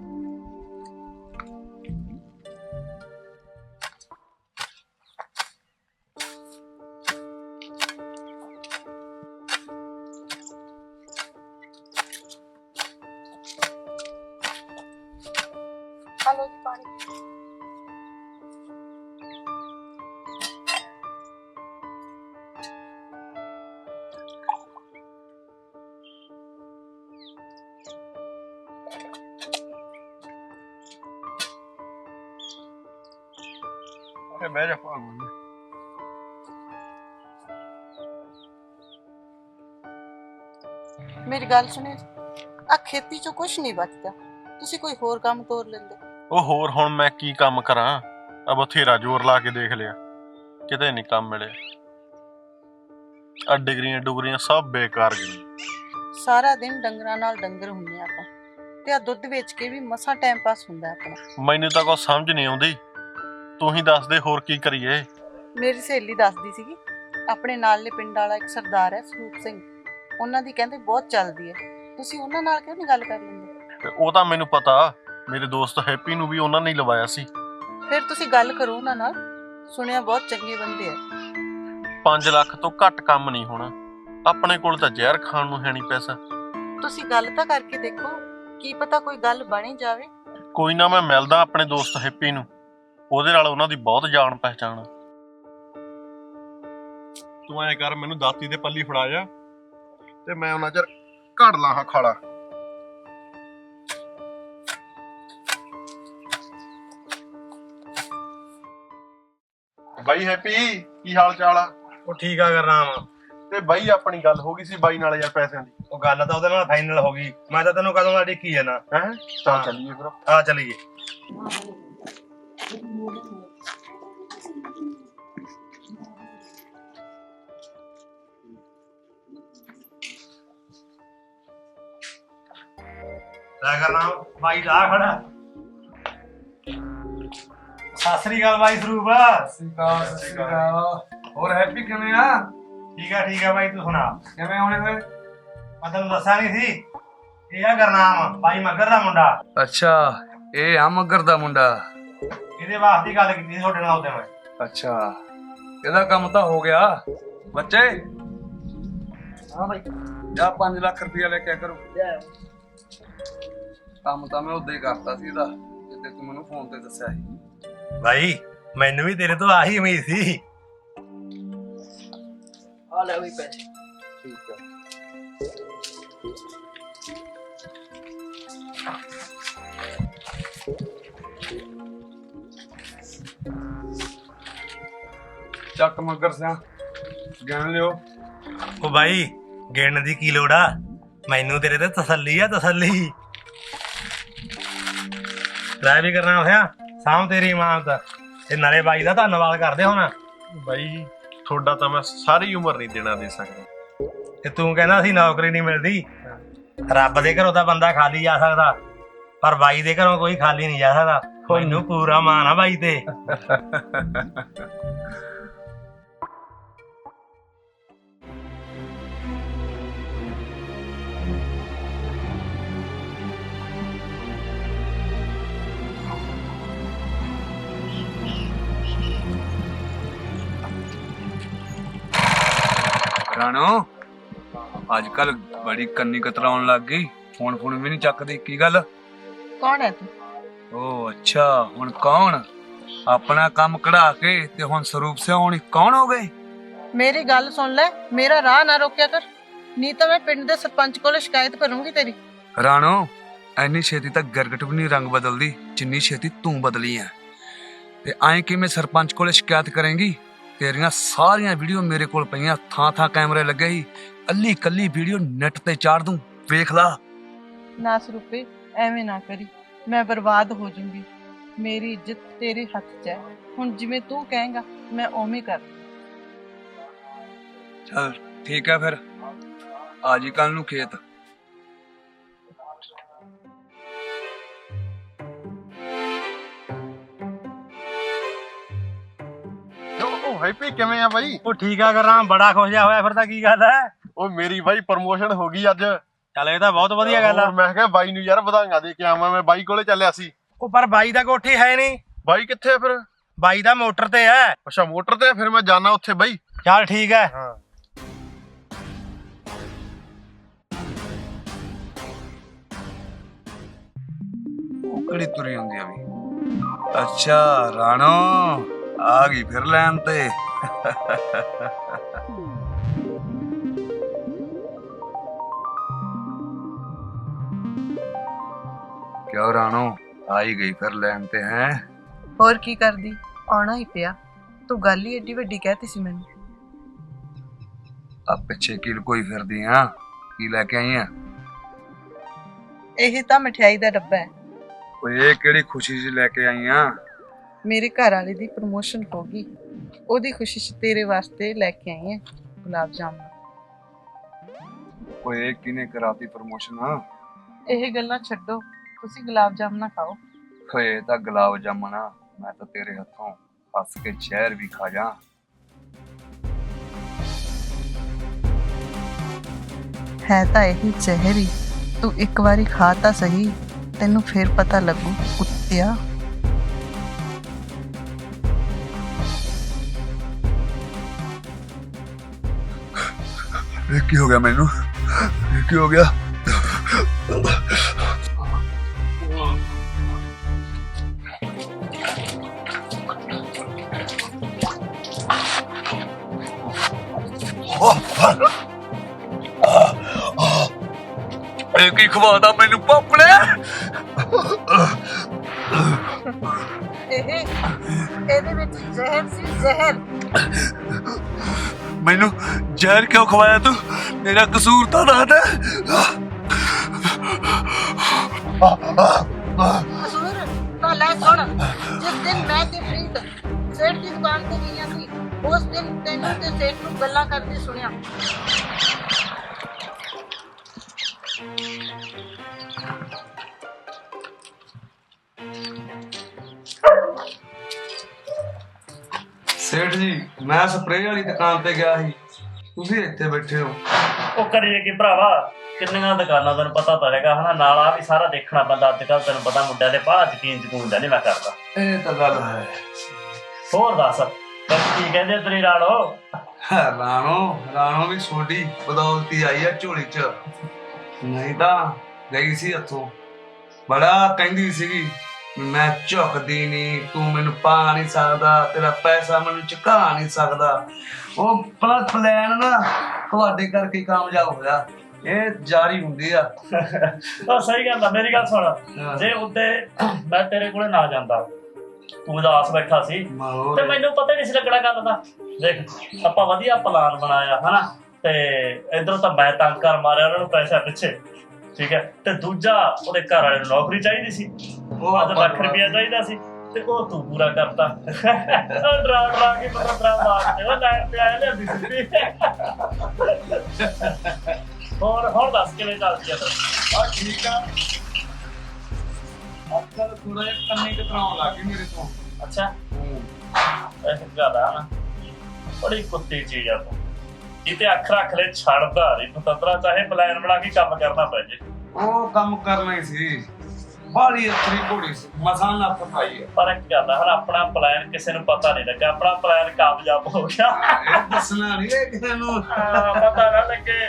I: ਹਲੋ ਜੀ ਪਾਣੀ।
C: ਅਰੇ ਬਹਿ ਜਾ ਭਾਗੋ।
I: ਮੇਰੀ ਗੱਲ ਸੁਣਿਓ, ਆ ਖੇਤੀ ਚੋਂ ਕੁਝ ਨਹੀਂ ਬਚਦਾ, ਤੁਸੀਂ ਕੋਈ ਹੋਰ ਕੰਮ ਤੋਰ ਲੈਂਦੇ।
C: ਉਹ ਹੋਰ ਹੁਣ ਮੈਂ ਕੀ ਕੰਮ ਕਰਾਂ? ਆ ਬਥੇਰਾ ਜ਼ੋਰ ਲਾ ਕੇ ਦੇਖ ਲਿਆ, ਕਿਤੇ ਨਹੀਂ ਕੰਮ ਮਿਲਿਆ। ਆ ਡਿਗਰੀਆਂ ਡੁਗਰੀਆਂ ਸਭ ਬੇਕਾਰ ਗਈਆਂ।
I: ਸਾਰਾ ਦਿਨ ਡੰਗਰਾਂ ਨਾਲ ਡੰਗਰ ਹੁੰਦੇ ਆ ਆਪਾਂ, ਤੇ ਆ ਦੁੱਧ ਵੇਚ ਕੇ ਵੀ ਮਸਾਂ ਟਾਈਮ ਪਾਸ ਹੁੰਦਾ ਆਪਣਾ।
C: ਮੈਨੂੰ ਤਾਂ ਕੁਛ ਸਮਝ ਨਹੀਂ ਆਉਂਦੀ, ਤੂੰ ਹੀ ਦੱਸ ਦੇ ਹੋਰ ਕੀ ਕਰੀਏ।
I: ਮੇਰੀ ਸਹੇਲੀ ਦੱਸਦੀ ਸੀਗੀ, ਆਪਣੇ ਨਾਲਲੇ ਪਿੰਡ ਵਾਲਾ ਇੱਕ ਸਰਦਾਰ ਹੈ ਸਰੂਪ ਸਿੰਘ, ਉਹਨਾਂ ਦੀ ਕਹਿੰਦੇ ਬਹੁਤ ਚੱਲਦੀ ਹੈ। ਤੁਸੀਂ ਉਹਨਾਂ ਨਾਲ ਕਿਉਂ ਨਹੀਂ ਗੱਲ ਕਰ ਲੈਂਦੇ?
C: ਤੇ ਉਹ ਤਾਂ ਮੈਨੂੰ ਪਤਾ, ਮੇਰੇ ਦੋਸਤ ਹੈਪੀ ਨੂੰ ਵੀ ਉਹਨਾਂ ਨੇ ਲਵਾਇਆ ਸੀ।
I: ਫਿਰ ਤੁਸੀਂ ਗੱਲ ਕਰੋ ਉਹਨਾਂ ਨਾਲ, ਸੁਣਿਆ ਬਹੁਤ ਚੰਗੇ ਬੰਦੇ ਆ।
C: ਪੰਜ ਲੱਖ ਤੋਂ ਘੱਟ ਕੰਮ ਨਹੀਂ ਹੋਣਾ, ਆਪਣੇ ਕੋਲ ਤਾਂ ਜ਼ਹਿਰ ਖਾਣ ਨੂੰ ਹੈ ਨਹੀਂ ਪੈਸਾ।
I: ਤੁਸੀਂ ਗੱਲ ਤਾਂ ਕਰਕੇ ਦੇਖੋ, ਕੀ ਪਤਾ ਕੋਈ ਗੱਲ ਬਣੀ ਜਾਵੇ।
C: ਕੋਈ ਨਾ, ਮੈਂ ਮਿਲਦਾ ਆਪਣੇ ਦੋਸਤ ਹੈਪੀ ਨੂੰ, ਉਹਦੇ ਨਾਲ ਉਹਨਾਂ ਦੀ ਬਹੁਤ ਜਾਣ ਪਹਿਚਾਣ ਆ। ਤੂੰ ਐਂ ਕਰ, ਮੈਨੂੰ ਦਾਤੀ ਦੇ ਪੱਲੀ ਫੜਾ ਜਾ ਤੇ ਮੈਂ ਉਹਨਾਂ ਚਿਰ ਘੜ ਲਾਂ ਹਾਂ ਖਾਲਾ। ਬਾਈ ਹੈਪੀ, ਕੀ ਹਾਲ ਚਾਲ ਆ?
D: ਉਹ ਠੀਕ ਆ ਗੁਰਨਾਮ।
C: ਤੇ ਬਾਈ ਆਪਣੀ ਗੱਲ ਹੋ ਗਈ ਸੀ ਬਾਈ ਨਾਲ ਯਾਰ ਪੈਸਿਆਂ ਦੀ।
D: ਉਹ ਗੱਲ ਤਾਂ ਉਹਦੇ ਨਾਲ ਫਾਈਨਲ ਹੋ ਗਈ, ਮੈਂ ਤਾਂ ਤੈਨੂੰ ਕਦੋਂ ਦਾ ਡਿੱਕੀ ਜਾਣਾ।
C: ਹੈ ਚੱਲ ਚੱਲੀਏ ਫਿਰ।
D: ਆ ਚੱਲੀਏ। ਲੈ ਗੁਰਨਾਮ, ਬਾਈ ਲਾ ਖੜਾ। ਸਤਿ ਸ੍ਰੀ ਅਕਾਲ ਬਾਈ ਸਰੂਪ।
H: ਸਤਿ ਸ਼੍ਰੀ ਅਕਾਲ। ਹੋਰ ਹੈਪੀ ਕਿਵੇਂ ਆ?
D: ਠੀਕ ਆ ਠੀਕ ਆ ਬਾਈ, ਤੂੰ ਸੁਣਾ
H: ਕਿਵੇਂ ਆਉਣੇ ਹੋਏ?
D: ਮੈਂ ਤੈਨੂੰ ਦੱਸਿਆ ਨਹੀਂ ਸੀ, ਇਹ ਆ ਗੁਰਨਾਮ, ਬਾਈ ਮੱਗਰ ਦਾ ਮੁੰਡਾ।
H: ਅੱਛਾ, ਇਹ ਆ ਮੱਗਰ ਦਾ ਮੁੰਡਾ।
D: ਇਹਦੇ ਵਾਸਤੇ ਹੀ ਗੱਲ ਕੀਤੀ ਸੀ ਤੁਹਾਡੇ ਨਾਲ ਉਹਦੇ ਮੈਂ।
H: ਅੱਛਾ, ਇਹਦਾ ਕੰਮ ਤਾਂ ਹੋ ਗਿਆ। ਬੱਚੇ
D: ਹਾਂ ਬਾਈ,
H: ਜਾ ਪੰਜ ਲੱਖ ਰੁਪਇਆ ਲੈ ਕੇ ਕਰੋ। ਕੰਮ ਤਾਂ ਮੈਂ ਉਦੋਂ ਹੀ ਕਰਤਾ ਸੀ ਇਹਦਾ, ਜਿੱਦੇ ਤੂੰ ਮੈਨੂੰ ਫੋਨ ਤੇ ਦੱਸਿਆ ਸੀ।
D: ਭਾਈ ਮੈਨੂੰ ਵੀ ਤੇਰੇ ਤੋਂ ਆਹੀ ਉਮੀਦ ਸੀ।
B: ਆ ਲੈ ਵੀ ਪੈਸੇ।
H: ਠੀਕ ਆ। ਚੱਕ ਮਗਰ ਸਿਆ ਗਿਣ ਲਿਓ।
D: ਉਹ ਬਾਈ ਗਿਣਨ ਦੀ ਕੀ ਲੋੜ ਆ, ਮੈਨੂੰ ਤੇਰੇ ਤੇ ਤਸੱਲੀ ਆ ਤਸੱਲੀ। ਲੈ ਵੀ ਕਰਨਾ ਹੋਇਆ ਸਾਂਭ ਤੇਰੀ ਇਮਾਨਤ, ਤੇ ਨਾਲੇ ਬਾਈ ਦਾ ਧੰਨਵਾਦ ਕਰਦੇ ਹੁਣ।
C: ਬਾਈ ਤੁਹਾਡਾ ਤਾਂ ਮੈਂ ਸਾਰੀ ਉਮਰ ਨਹੀਂ ਦੇਣਾ ਦੇ ਸਕਦਾ।
D: ਤੇ ਤੂੰ ਕਹਿੰਦਾ ਸੀ ਨੌਕਰੀ ਨਹੀਂ ਮਿਲਦੀ, ਰੱਬ ਦੇ ਘਰੋਂ ਤਾਂ ਬੰਦਾ ਖਾਲੀ ਜਾ ਸਕਦਾ, ਪਰ ਬਾਈ ਦੇ ਘਰੋਂ ਕੋਈ ਖਾਲੀ ਨਹੀਂ ਜਾ ਸਕਦਾ। ਮੈਨੂੰ ਪੂਰਾ ਮਾਣ ਆ ਬਾਈ ਤੇ।
H: ਰਾਣੋ ਅੱਜ ਕੱਲ ਬੜੀ ਕੰਨੀ ਕਤਰਾਉਣ ਲੱਗ ਗਈ, ਫੋਨ ਫੋਨ ਵੀ ਨਹੀਂ ਚੱਕਦੀ, ਕੀ ਗੱਲ?
I: ਕੌਣ ਹੈ ਤੂੰ?
H: ਓ ਅੱਛਾ, ਹੁਣ ਕੌਣ? ਆਪਣਾ ਕੰਮ ਕਢਾ ਕੇ ਤੇ ਹੁਣ ਸਰੂਪ ਸੇ ਹੁਣ ਕੌਣ ਹੋ ਗਏ?
I: ਮੇਰੀ ਗੱਲ ਸੁਣ ਲੈ, ਮੇਰਾ ਰਾਹ ਨਾ ਰੋਕਿਆ ਕਰ, ਨਹੀਂ ਤਾਂ ਮੈਂ ਪਿੰਡ ਦੇ ਸਰਪੰਚ ਕੋਲ ਸ਼ਿਕਾਇਤ ਕਰੂੰਗੀ ਤੇਰੀ।
H: ਰਾਣੋ ਐਨੀ ਛੇਤੀ ਤੱਕ ਗਰਗਟ ਵੀ ਨਹੀਂ ਰੰਗ ਬਦਲਦੀ ਜਿੰਨੀ ਛੇਤੀ ਤੂੰ ਬਦਲੀ ਐ। ਤੇ ਐਂ ਕਿਵੇਂ ਸਰਪੰਚ ਕੋਲ ਸ਼ਿਕਾਇਤ ਕਰੇਂਗੀ? ਤੇਰੀਆਂ ਸਾਰੀਆਂ ਵੀਡੀਓ ਮੇਰੇ ਕੋਲ ਪਈਆਂ, ਥਾਂ ਥਾਂ ਕੈਮਰੇ ਲੱਗੇ ਸੀ, ਕੱਲੀ ਕੱਲੀ ਵੀਡੀਓ ਨੈਟ ਤੇ ਚਾੜ ਦੂੰ, ਵੇਖ ਲਾ।
I: ਨਾ ਸਰੂਪੇ ਐਵੇਂ ਨਾ ਕਰੀ, ਮੈਂ ਬਰਬਾਦ ਹੋ ਜਾਊਂਗੀ। ਮੇਰੀ ਇੱਜ਼ਤ ਤੇਰੇ ਹੱਥ 'ਚ ਹੈ, ਹੁਣ ਜਿਵੇਂ ਤੂੰ ਕਹੇਂਗਾ ਮੈਂ ਉਵੇਂ ਕਰ।
H: ਚਲ ਠੀਕ ਹੈ ਫਿਰ, ਆ ਜੀ ਕੱਲ ਨੂੰ ਖੇਤ।
C: ਉਹ ਹੈਪੀ ਕਿਵੇਂ ਆ ਬਾਈ?
D: ਉਹ ਠੀਕ ਆ ਕਰਾਂ, ਬੜਾ ਖੁਸ਼ ਜਿਹਾ ਹੋਇਆ ਫਿਰ ਤਾਂ ਕੀ ਗੱਲ ਹੈ?
C: ਉਹ ਮੇਰੀ ਬਾਈ ਪ੍ਰਮੋਸ਼ਨ ਹੋ ਗਈ ਅੱਜ।
D: ਚੱਲ ਇਹ ਤਾਂ ਬਹੁਤ ਵਧੀਆ ਗੱਲ ਆ।
C: ਹੋਰ ਮੈਂ ਕਿਹਾ ਬਾਈ ਨੂੰ ਯਾਰ ਵਧਾਈਆਂ ਦੇ ਕੇ ਆਵਾਂ, ਮੈਂ ਬਾਈ ਕੋਲੇ ਚੱਲਿਆ ਸੀ।
D: ਉਹ ਪਰ ਬਾਈ ਦਾ ਕੋਠੀ ਹੈ ਨਹੀਂ।
C: ਬਾਈ ਕਿੱਥੇ ਆ ਫਿਰ?
D: ਬਾਈ ਦਾ ਮੋਟਰ ਤੇ ਹੈ।
C: ਅੱਛਾ ਮੋਟਰ ਤੇ ਆ, ਫਿਰ ਮੈਂ ਜਾਣਾ ਉੱਥੇ ਬਾਈ।
D: ਚੱਲ ਠੀਕ ਹੈ।
C: ਹਾਂ
H: ਉਹ ਕਿਹੜੀ ਤੁਰੀ ਹੁੰਦੀ ਆ ਵੀ? ਅੱਛਾ ਰਾਣੋ ਆ ਗਈ ਫਿਰ ਲੈਣ ਤੇ। ਕਿਉਂ ਰਾਣੋ ਆ ਹੀ ਗਈ ਫਿਰ ਲੈਣ ਤੇ ਹੈ?
I: ਹੋਰ ਕੀ ਕਰਦੀ, ਆਉਣਾ ਹੀ ਪਿਆ। ਤੂੰ ਗੱਲ ਹੀ ਏਡੀ ਵੱਡੀ ਕਹਿਤੀ ਸੀ ਮੈਨੂੰ।
H: ਆ ਪਿੱਛੇ ਕੀ ਲੁਕੋਈ ਫਿਰਦੀ ਆ? ਕੀ ਲੈ ਕੇ ਆਈ ਆ?
I: ਇਹ ਤਾਂ ਮਠਿਆਈ ਦਾ ਡੱਬਾ ਹੈ।
H: ਓਏ ਇਹ ਕਿਹੜੀ ਖੁਸ਼ੀ ਜੀ ਲੈ ਕੇ ਆਈ ਆ?
I: ਮੇਰੇ ਘਰ ਵਾਲੇ ਦੀ ਪ੍ਰਮੋਸ਼ਨ ਹੋ ਗਈ, ਉਹਦੀ ਖੁਸ਼ੀ 'ਚ ਤੇਰੇ ਵਾਸਤੇ ਲੈ ਕੇ ਆਈ ਹਾਂ ਗੁਲਾਬ ਜਾਮੁਨ।
H: ਓਏ ਇਹ ਕਿਨੇ ਕਰਾਤੀ ਪ੍ਰਮੋਸ਼ਨ?
I: ਇਹ ਗੱਲਾਂ ਛੱਡੋ, ਤੁਸੀਂ ਗੁਲਾਬ ਜਾਮੁਨ ਖਾਓ।
H: ਓਏ ਤਾਂ ਗੁਲਾਬ ਜਾਮੁਨ ਆ, ਮੈਂ ਤਾਂ ਤੇਰੇ ਹੱਥੋਂ ਹੱਸ ਕੇ ਜ਼ਹਿਰ ਵੀ ਖਾ ਜਾ।
I: ਹੈ ਤਾਂ ਇਹੀ ਜ਼ਹਿਰ ਹੀ, ਤੂੰ ਇੱਕ ਵਾਰੀ ਖਾ ਤਾਂ ਸਹੀ, ਤੈਨੂੰ ਫਿਰ ਪਤਾ ਲੱਗੂ ਕੁੱਤਿਆ।
H: ਇਹ ਕੀ ਹੋ ਗਿਆ ਮੈਨੂੰ? ਇਹ ਕੀ ਹੋ ਗਿਆ? ਇਹ ਕੀ ਖਵਾਦਾ ਮੈਨੂੰ ਪਾਪੜੇ?
I: ਇਹ ਇਹਦੇ ਵਿੱਚ ਜ਼ਹਿਰ ਸੀ, ਜ਼ਹਿਰ।
H: ਮੈਨੂੰ ਜ਼ਹਿਰ ਕਿਉਂ ਖਵਾਇਆ ਤੂੰ? ਮੇਰਾ ਕਸੂਰ ਤਾਂ ਦੱਸ ਦੇ।
I: ਕਸੂਰ ਤਾਂ ਲੈ ਸੁਣ, ਜਿਸ ਦਿਨ ਮੈਂ ਤੇ ਪ੍ਰੀਤ ਸੇਠ ਦੀ ਦੁਕਾਨ ਤੇ ਗਈਆਂ ਸੀ, ਉਸ ਦਿਨ ਤੈਨੂੰ ਤੇ ਸੇਠ ਨੂੰ ਗੱਲਾਂ ਕਰਦੇ ਸੁਣਿਆ।
H: ਸੇਠ ਜੀ ਮੈਂ ਸਪਰੇਅ ਵਾਲੀ ਦੁਕਾਨ ਤੇ ਗਿਆ ਸੀ, ਤੁਸੀਂ ਇੱਥੇ ਬੈਠੇ ਹੋ।
F: ਉਹ ਕਰੀਏ ਕੀ ਭਰਾਵਾ, ਕਿੰਨੀਆਂ ਦੁਕਾਨਾਂ ਤੈਨੂੰ ਪਤਾ ਤਾਂ ਹੈਗਾ ਹਨਾ, ਨਾਲ ਆ ਵੀ ਸਾਰਾ ਦੇਖਣਾ ਪੈਂਦਾ ਅੱਜ ਕੱਲ। ਤੈਨੂੰ ਪਤਾ ਮੁੰਡਿਆਂ ਦੇ ਬਾਹਰ ਯਕੀਨ ਯਕੂਨ ਦਾ ਨਹੀਂ ਮੈਂ ਕਰਦਾ।
H: ਇਹ ਤਾਂ ਗੱਲ ਹੈ।
F: ਹੋਰ ਦੱਸ ਕੀ ਕਹਿੰਦੇ ਤੇਰੀ ਰਾਣੋ?
H: ਰਾਣੋ ਰਾਣੋ ਵੀ ਛੋਟੀ ਬਦੌਲਤੀ ਆਈ ਆ ਝੋਲੀ ਚ, ਨਹੀਂ ਤਾਂ ਗਈ ਸੀ ਹੱਥੋਂ। ਬੜਾ ਕਹਿੰਦੀ ਸੀਗੀ ਮੈਂ ਝੁਕਦੀ ਨਹੀਂ, ਤੂੰ ਮੈਨੂੰ ਪਾ ਨਹੀਂ ਸਕਦਾ, ਤੇਰਾ ਪੈਸਾ ਮੈਨੂੰ ਚੁਕਾ ਨਹੀਂ ਸਕਦਾ। ਉਹ ਪਲਾਨ ਨਾ ਤੁਹਾਡੇ ਕਰਕੇ ਕਾਮਯਾਬ ਹੋਇਆ, ਇਹ ਜਾਰੀ ਹੁੰਦੀ ਆ।
F: ਉਹ ਸਹੀ ਗੱਲ ਆ। ਮੇਰੀ ਗੱਲ ਸੁਣ, ਜੇ ਉੱਤੇ ਮੈਂ ਤੇਰੇ ਕੋਲੇ ਨਾ ਜਾਂਦਾ ਤੂੰ ਉਦਾਸ ਬੈਠਾ ਸੀ ਤੇ ਮੈਨੂੰ ਪਤਾ ਹੀ ਨਹੀਂ ਸੀ ਲੱਗਣਾ ਗੱਲ ਦਾ। ਦੇਖ ਆਪਾਂ ਵਧੀਆ ਪਲਾਨ ਬਣਾਇਆ ਹਨਾ, ਤੇ ਇਧਰੋਂ ਤਾਂ ਮੈਂ ਤੰਗ ਕਰ ਮਾਰਿਆ ਉਹਨਾਂ ਨੂੰ ਪੈਸਾ ਪਿੱਛੇ, ਠੀਕ ਹੈ, ਤੇ ਦੂਜਾ ਉਹਦੇ ਘਰ ਵਾਲੇ ਨੂੰ ਨੌਕਰੀ ਚਾਹੀਦੀ ਸੀ, ਪੰਜ ਲੱਖ ਰੁਪਇਆ ਚਾਹੀਦਾ ਸੀ, ਤੇ ਉਹ ਤੂੰ ਪੂਰਾ ਕਰਤਾ। ਡਰਾ ਡਰਾ ਕੇ ਪਤਾ ਡਰਾ ਮਾਰ ਦੇ ਉਹ ਲਾਈਨ ਤੇ ਆਇਆ ਲਿਆਂਦੀ ਸਿੱਧੀ। ਹੋਰ ਹੁਣ ਦੱਸ ਕਿਵੇਂ ਚੱਲਦੀ ਆ ਤੇਰਾ?
H: ਆ ਠੀਕ ਆ, ਅੱਜ ਕੱਲ੍ਹ ਥੋੜਾ ਜਿਹਾ ਕੰਨੇ ਕਤਰਾਉਣ ਲੱਗ ਗਏ ਮੇਰੇ ਤੋਂ।
F: ਅੱਛਾ ਇਹ ਗੱਲ ਆ ਨਾ, ਬੜੀ ਕੁੱਤੀ ਚੀਜ਼ ਆ ਤੂੰ, ਜਿੱਤੇ ਅੱਖ ਰੱਖ ਲੈ ਛੱਡਦਾ ਨਹੀਂ ਪਤੰਦਰਾ, ਚਾਹੇ ਪਲਾਨ ਬਣਾ ਕੇ ਕੰਮ ਕਰਨਾ ਪੈ ਜੇ।
H: ਉਹ ਕੰਮ ਕਰਨਾ ਹੀ ਸੀ, ਬਾਲੀ ਅੱਛੀ ਘੋੜੀ ਸੀ, ਮਸਾਂ ਨੱਥ ਪਾਈ ਹੈ।
F: ਪਰ ਇੱਕ ਗੱਲ ਆ, ਹੁਣ ਆਪਣਾ ਪਲਾਨ ਕਿਸੇ ਨੂੰ ਪਤਾ ਨਹੀਂ ਲੱਗਾ, ਆਪਣਾ ਪਲਾਨ ਕਾਮਯਾਬ ਹੋ ਗਿਆ।
H: ਇਹ ਦੱਸਣਾ ਨਹੀਂ ਹੈ ਕਿਸੇ ਨੂੰ,
F: ਪਤਾ ਨਾ ਲੱਗੇ।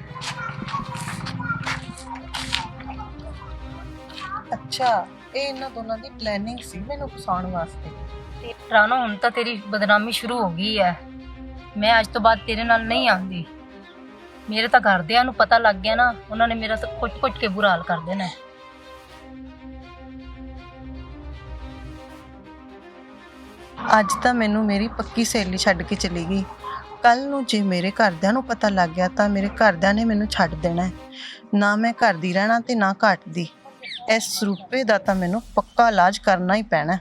I: ਅੱਛਾ ਇਹ ਇਹਨਾਂ ਦੋਨਾਂ ਦੀ ਪਲੈਨਿੰਗ ਸੀ ਮੈਨੂੰ ਫਸਾਉਣ ਵਾਸਤੇ।
J: ਰਾਣੋ ਹੁਣ ਤਾਂ ਤੇਰੀ ਬਦਨਾਮੀ ਸ਼ੁਰੂ ਹੋ ਗਈ ਹੈ। ਮੈਂ ਅੱਜ ਤੋਂ ਬਾਅਦ ਤੇਰੇ ਨਾਲ ਨਹੀਂ ਆਉਂਦੀ। ਮੇਰੇ ਤਾਂ ਘਰਦਿਆਂ ਨੂੰ ਪਤਾ ਲੱਗ ਗਿਆ ਨਾ, ਉਹਨਾਂ ਨੇ ਮੇਰਾ ਤਾਂ ਕੁੱਟ-ਕੁੱਟ ਕੇ ਬੁਰਾ ਹਾਲ ਕਰ ਦੇਣਾ।
I: ਅੱਜ ਤਾਂ ਮੈਨੂੰ ਮੇਰੀ ਪੱਕੀ ਸਹੇਲੀ ਛੱਡ ਕੇ ਚਲੀ ਗਈ, ਕੱਲ ਨੂੰ ਜੇ ਮੇਰੇ ਘਰਦਿਆਂ ਨੂੰ ਪਤਾ ਲੱਗ ਗਿਆ ਤਾਂ ਮੇਰੇ ਘਰਦਿਆਂ ਨੇ ਮੈਨੂੰ ਛੱਡ ਦੇਣਾ ਹੈ। ਨਾ ਮੈਂ ਘਰ ਦੀ ਰਹਿਣਾ ਤੇ ਨਾ ਘਾਟ ਦੀ। ਇਸ ਰੂਪੇ ਦਾ ਤਾਂ ਮੈਨੂੰ ਪੱਕਾ ਇਲਾਜ ਕਰਨਾ ਹੀ ਪੈਣਾ।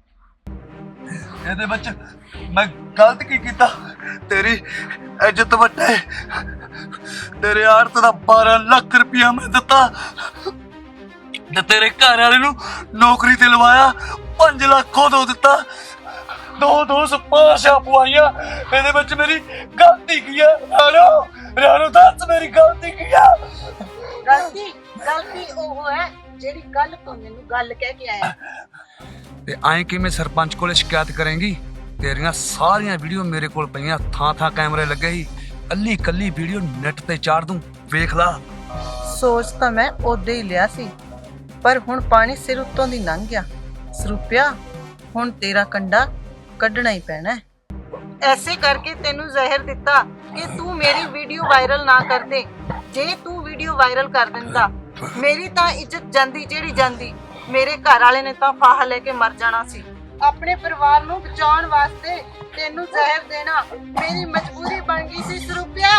H: ਇਹਦੇ ਵਿੱਚ ਮੈਂ ਗਲਤ ਕੀ ਕੀਤਾ? ਤੇਰੀ ਇੱਜ਼ਤ ਵੱਟੇ, ਤੇਰੇ ਆੜਤ ਦਾ ਬਾਰਾਂ ਲੱਖ ਰੁਪਇਆ ਮੈਂ ਦਿੱਤਾ ਤੇ ਤੇਰੇ ਘਰ ਵਾਲੇ ਨੂੰ ਨੌਕਰੀ ਤੇ ਲਵਾਇਆ, ਪੰਜ ਲੱਖ ਉਦੋਂ ਦਿੱਤਾ, ਦੋ ਦੋ ਸਪਾਸ਼ਾ ਪਵਾਈਆਂ। ਇਹਦੇ ਵਿੱਚ ਮੇਰੀ ਗਲਤੀ ਕੀ ਹੈ? ਰਾਣੋ ਰਾਣੋ ਦੱਸ ਮੇਰੀ ਗਲਤੀ ਕੀ ਹੈ?
B: ਗਲਤੀ ਗਲਤੀ ਉਹ ਹੈ ਜਿਹੜੀ ਗੱਲ ਤੂੰ ਮੈਨੂੰ ਗੱਲ ਕਹਿ ਕੇ ਆਇਆ।
H: ਤੇ ਐਂ ਕਿਵੇਂ ਸਰਪੰਚ ਕੋਲੇ ਸ਼ਿਕਾਇਤ ਕਰੇਂਗੀ? ਤੇਰੀਆਂ ਸਾਰੀਆਂ ਵੀਡੀਓ ਮੇਰੇ ਕੋਲ ਪਈਆਂ, ਥਾਂ ਥਾਂ ਕੈਮਰੇ ਲੱਗੇ ਸੀ, ਕੱਲੀ ਕੱਲੀ ਵੀਡੀਓ ਨੈਟ ਤੇ ਚਾੜ ਦੂੰ, ਵੇਖ ਲਾ।
I: ਸੋਚ ਤਾਂ ਮੈਂ ਉਦੋਂ ਹੀ ਲਿਆ ਸੀ, ਪਰ ਹੁਣ ਪਾਣੀ ਸਿਰ ਉੱਤੋਂ ਦੀ ਲੰਘ ਗਿਆ। ਸਰੂਪਿਆ ਹੁਣ ਤੇਰਾ ਕੰਡਾ ਕੱਢਣਾ ਹੀ ਪੈਣਾ ਹੈ। ਐਸੇ ਕਰਕੇ ਤੈਨੂੰ ਜ਼ਹਿਰ ਦਿੱਤਾ ਕਿ ਤੂੰ ਮੇਰੀ ਵੀਡੀਓ ਵਾਇਰਲ ਨਾ ਕਰ ਦੇ। ਜੇ ਤੂੰ ਵੀਡੀਓ ਵਾਇਰਲ ਕਰ ਦਿੰਦਾ ਮੇਰੀ ਤਾਂ ਇੱਜ਼ਤ ਜਾਂਦੀ ਜਿਹੜੀ ਜਾਂਦੀ, ਮੇਰੇ ਘਰ ਵਾਲੇ ਨੇ ਤਾਂ ਫਾਹਾ ਲੈ ਕੇ ਮਰ ਜਾਣਾ ਸੀ। ਆਪਣੇ ਪਰਿਵਾਰ ਨੂੰ ਬਚਾਉਣ ਵਾਸਤੇ ਤੈਨੂੰ ਜ਼ਹਿਰ ਦੇਣਾ ਮੇਰੀ ਮਜਬੂਰੀ ਬਣ ਗਈ ਸੀ ਸਰੂਪਿਆ।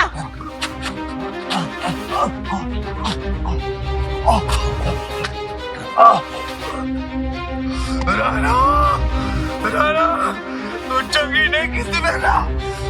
H: ਰਾਣਾ ਰਾਣਾ ਤੂੰ ਚੰਗੀ ਨਹੀਂ ਕੀਤੀ ਮੇਰੇ ਨਾਲ।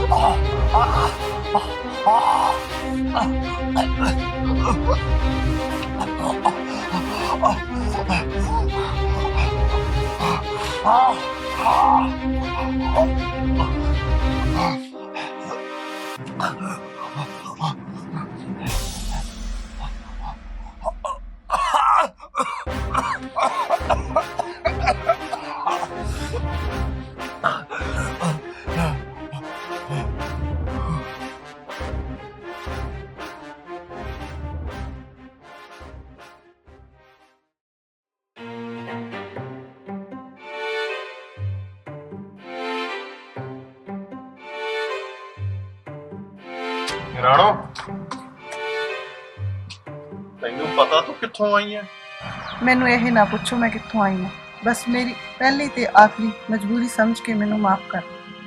C: ਰਾਣੋ ਤੈਨੂੰ ਪਤਾ ਤੂੰ ਕਿੱਥੋਂ ਆਈ ਹੈ?
I: ਮੈਨੂੰ ਇਹ ਨਾ ਪੁੱਛੋ ਮੈਂ ਕਿੱਥੋਂ ਆਈ ਹਾਂ, ਬਸ ਮੇਰੀ ਪਹਿਲੀ ਤੇ ਆਖਰੀ ਮਜਬੂਰੀ ਸਮਝ ਕੇ ਮੈਨੂੰ ਮਾਫ ਕਰ।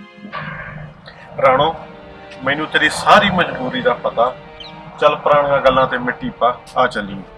C: ਰਾਣੋ ਮੈਨੂੰ ਤੇਰੀ ਸਾਰੀ ਮਜਬੂਰੀ ਦਾ ਪਤਾ, ਚੱਲ ਪੁਰਾਣੀਆਂ ਗੱਲਾਂ ਤੇ ਮਿੱਟੀ ਪਾ, ਆ ਚੱਲੀ।